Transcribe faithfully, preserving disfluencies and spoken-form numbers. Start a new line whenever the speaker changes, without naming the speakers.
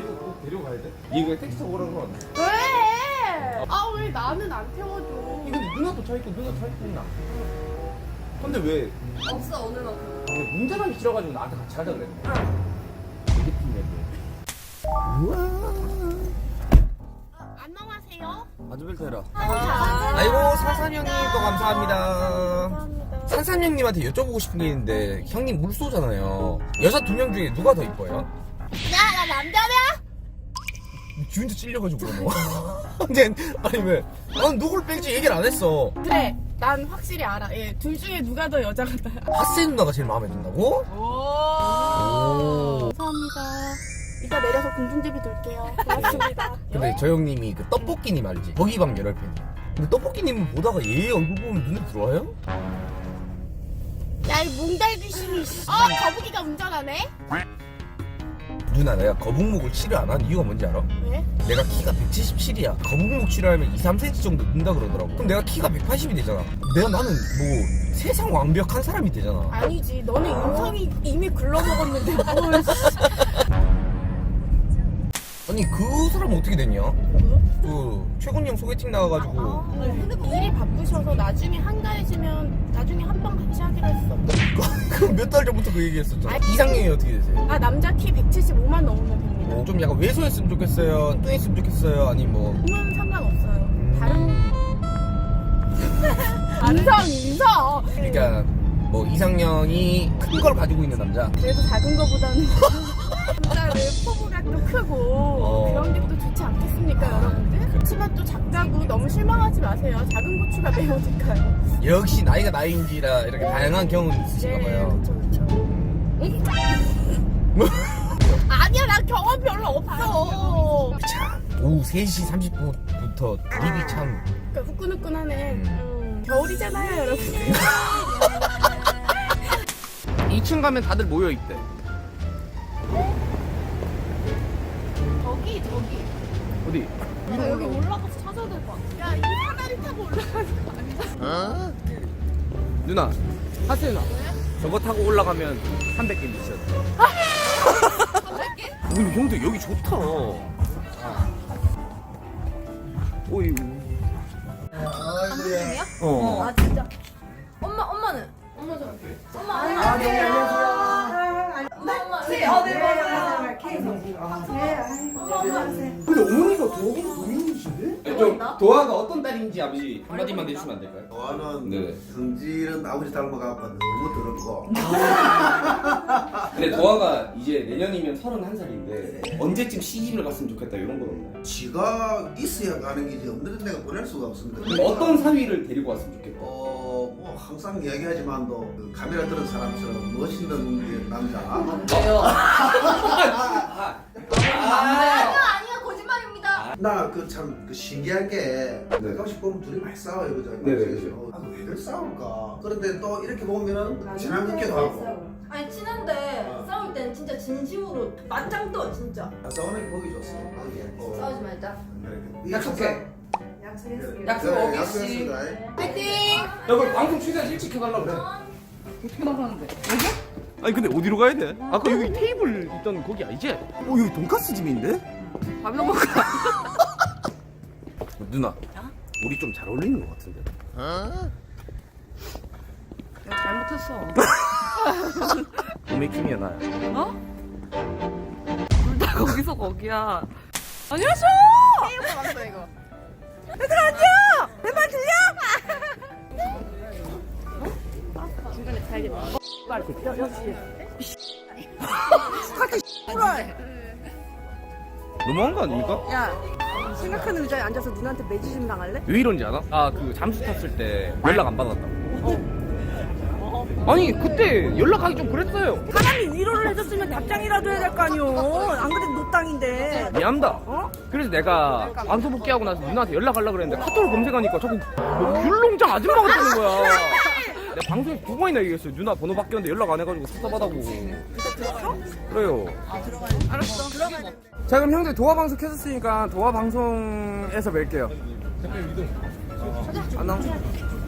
얘도 꼭 데려가야 돼? 얘 그냥 택시 타고 오라고 하네.
왜? 아 왜 나는 안 태워줘?
이거 누나도 차 있고 누나 차 있고 있나? 근데 왜?
없어 오늘만큼.
이게 운전하기 싫어가지고 나한테 같이 하자 그랬는데. 되게 팀이야. 우와.
안녕하세요.
아주벨트 해라.
아,
아이고 산산 형님 또 감사합니다. 산산 형님한테 여쭤보고 싶은 게 있는데 형님 물소잖아요. 여자 두 명 중에 누가 더 이뻐요?
야나 남자냐?
지 혼자 찔려가지고 뭐. 근데 아니 왜? 난 누굴 뺄지 얘기를 안 했어.
그래 난 확실히 알아. 예, 둘 중에 누가 더 여자가 나야?
하세 누나가 제일 마음에 든다고?
오.
오.
감사합니다. 이따 내려서 공중제비 돌게요. 고맙습니다.
근데 저 형님이 그 떡볶이님 알지? 거기 방 열혈 팬이야. 근데 떡볶이님은 보다가 얘 얼굴 보면 눈에 들어와요?
야이 몽달귀신이. 어 거북이가 운전하네?
누나 내가 거북목을 치료 안 하는 이유가 뭔지 알아?
왜?
내가 키가 백칠십칠이야. 거북목 치료하면 이, 삼 센티미터 정도 는다 그러더라고. 그럼 내가 키가 백팔십이 되잖아. 내가 나는 뭐 세상 완벽한 사람이 되잖아.
아니지 너는 인성이 이미 글러먹었는데 뭘.
아니 그 사람 어떻게 됐냐? 그 최군 형 소개팅 나와가지고
일이 바쁘셔서 나중에 한가해지면 나중에 한 번 같이 하기로 했어.
그 몇 달 전부터 그 얘기했었잖아. 이상형이 어떻게 되세요?
아 남자 키 백칠십오만 넘으면 됩니다.
뭐 좀 약간 왜소했으면 좋겠어요? 뚱했으면 좋겠어요? 아니 뭐
그건 상관없어요.
음.
다른 인성 인성.
그러니까 뭐 이상형이 큰 걸 가지고 있는 남자.
그래도 작은 거보다는 남자를 포부각도 크고
어.
그런 게 또 좋지 않겠습니까 여러분들? 그렇지만 또 작다고 너무 실망하지 마세요. 작은 고추가 매워질까요?
역시 나이가 나이인지라 이렇게 다양한 경험이 있으신가 봐요.
그렇죠 그렇죠. 아니야 난 경험 별로 없어.
참 오후 세 시 삼십 분부터 입이 참
그러니까 후끈후끈하네.
음.
음, 겨울이잖아요 여러분들.
이 층 가면 다들 모여 있대.
저기 저기.
어디?
나 여기 올라가서 찾아야 될 것 같아. 야, 이 사다리 타고 올라가는 거 아니야?
누나, 하세 누나. 저거 타고 올라가면 삼백 개 미션.
삼백 개?
근데 형들 여기 좋다. 오이.
감독님이요?
어.
아 진짜. 엄마 엄마는? 엄마 저. 엄마 안녕하세요.
아, 네, 안녕하세요.
엄마 엄마. 네, 어, 네 맞아요.
근데 어머니가 도화가 도민이신데? 좀 도화가 어떤 딸인지 아버지 한마디만 해주시면 안 될까요?
저는
네.
성질은 아버지 닮아갖고 너무 더럽고
근데 도화가 이제 내년이면 서른한 살인데 언제쯤 시집을 갔으면 좋겠다 이런 건 없나요?
지가 있어야 가는 게지 없는 데가 보낼 수가 없습니다.
그럼 어떤 사위를 데리고 왔으면 좋겠다?
어, 뭐 항상 이야기하지만도 그 카메라 들은 사람처럼 멋있는 남자.
왜요?
아,
아니요 아니요 거짓말입니다.
나 그 참 그 신기한 게
네.
가끔씩 보면 둘이 많이 싸워요, 그죠?
네네.
아, 왜들 싸울까? 그런데 또 이렇게 보면은 지나뵙기도 하고.
아니 친한데
어.
싸울 땐 진짜 진심으로 맞짱 떠 진짜.
아, 싸우는 게 보기 좋습니다. 어,
싸우지 말자.
이렇게.
약속해.
약속했습니다.
약속
네,
어기씨.
약속했습니다.
파이팅!
야 그럼 방송 최대한 일찍 해달라고 그래. 어떻게 나가는데? 여기? 아니 근데 어디로 가야 돼? 아까 여기 테이블 있던 거기 아니지? 어 여기 돈까스 집인데?
밥이나 먹을까?
누나 우리 좀 잘 어울리는 것 같은데?
야, 잘못했어.
오메킴이야 나야.
어? 둘 다 거기서 거기야. 안녕하세요! 테이블 왔어, 이거. 얘들아, 안녕! 내 말 들려? 어? 중간에 살겠다. 어? 말, 역시. 카트 씨발.
너무한 거 아닙니까?
야, 생각하는 의자에 앉아서 누나한테 매주심 당할래?
왜 이런지 알아? 아 그 잠수 탔을 때 연락 안 받았다고. 아니 그때 연락하기 좀 그랬어요.
사람이 위로를 해줬으면 답장이라도 해야 될 거 아니오. 안 그래도 노땅인데.
미안합니다.
어?
그래서 내가 방송 복귀하고 나서 누나한테 연락하려고 그랬는데 카톡을 검색하니까 자꾸 뭐 귤농장 아줌마가 뜨는 거야. 내가 방송에 두 번이나 얘기했어요. 누나 번호 바뀌었는데 연락 안 해가지고 섭섭하다고. 그래요.
알았어. 들어가야 돼.
자 그럼 형들 도화 방송 켰었으니까 도화 방송에서 뵐게요. 안녕.